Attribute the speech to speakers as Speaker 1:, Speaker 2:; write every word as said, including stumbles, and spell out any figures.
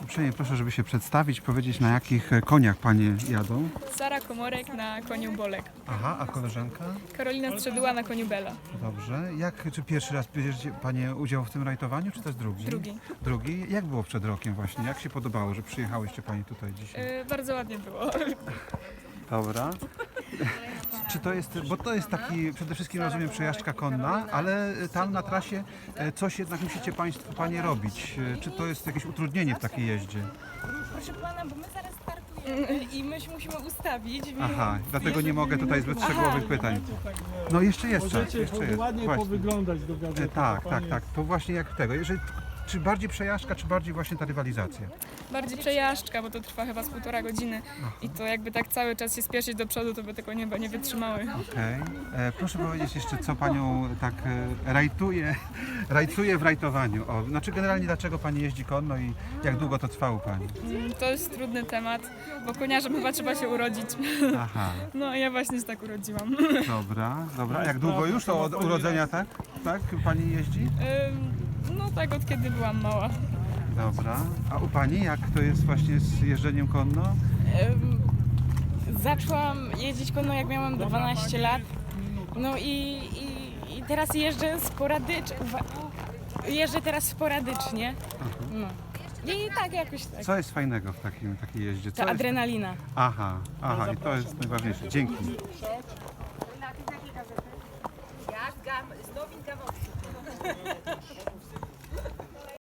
Speaker 1: Uprzejmie proszę, żeby się przedstawić, powiedzieć, na jakich koniach panie jadą.
Speaker 2: Sara Komorek na koniu Bolek.
Speaker 1: Aha, a koleżanka?
Speaker 2: Karolina Strzeduła na koniu Bela.
Speaker 1: Dobrze. Jak, czy pierwszy raz bierzecie panie udział w tym rajtowaniu, czy też drugi?
Speaker 2: Drugi.
Speaker 1: Drugi. Jak było przed rokiem właśnie? Jak się podobało, że przyjechałyście panie tutaj dzisiaj?
Speaker 2: Yy, bardzo ładnie było.
Speaker 1: Dobra. Czy to jest, bo to jest taki, przede wszystkim rozumiem, przejażdżka konna, ale tam na trasie e, coś jednak musicie państwo, panie robić. E, Czy to jest jakieś utrudnienie w takiej jeździe?
Speaker 3: Proszę pana, bo my zaraz startujemy i my się musimy ustawić. Więc...
Speaker 1: Aha, dlatego nie mogę tutaj zbyt szczegółowych pytań. No jeszcze jest czas,
Speaker 4: Możecie
Speaker 1: jeszcze jest.
Speaker 4: ładnie
Speaker 1: Właśnie.
Speaker 4: powyglądać do
Speaker 1: E,
Speaker 4: gazety.
Speaker 1: Tak,
Speaker 4: bo
Speaker 1: tak,
Speaker 4: pan
Speaker 1: tak.
Speaker 4: jest-
Speaker 1: To właśnie jak tego. Jeżeli, czy bardziej przejażdżka, czy bardziej właśnie ta rywalizacja?
Speaker 2: Bardziej przejażdżka, bo to trwa chyba z półtora godziny. I to jakby tak cały czas się spieszyć do przodu, to by tego nieba nie wytrzymały.
Speaker 1: Okej. E, Proszę powiedzieć jeszcze, co panią tak e, rajtuje, rajcuje w rajtowaniu. O, znaczy generalnie dlaczego pani jeździ konno i jak długo to trwa u pani?
Speaker 2: Mm, To jest trudny temat, bo koniarzem chyba trzeba się urodzić.
Speaker 1: Aha,
Speaker 2: No ja właśnie się tak urodziłam.
Speaker 1: dobra, dobra. Jak długo już to od urodzenia, tak? Tak? Pani jeździ?
Speaker 2: Ym, No tak od kiedy byłam mała.
Speaker 1: Dobra. A u pani jak to jest właśnie z jeżdżeniem konno?
Speaker 3: Em, Zaczęłam jeździć konno jak miałam dwanaście lat. No i, i, i teraz jeżdżę sporadycznie. Jeżdżę teraz sporadycznie. No. I tak jakoś tak.
Speaker 1: Co jest fajnego w takim, takiej jeździe? Co
Speaker 3: To
Speaker 1: jest...
Speaker 3: adrenalina.
Speaker 1: Aha, aha, i to jest najważniejsze. Dzięki.
Speaker 5: Jak gam, z nowin gawowskich.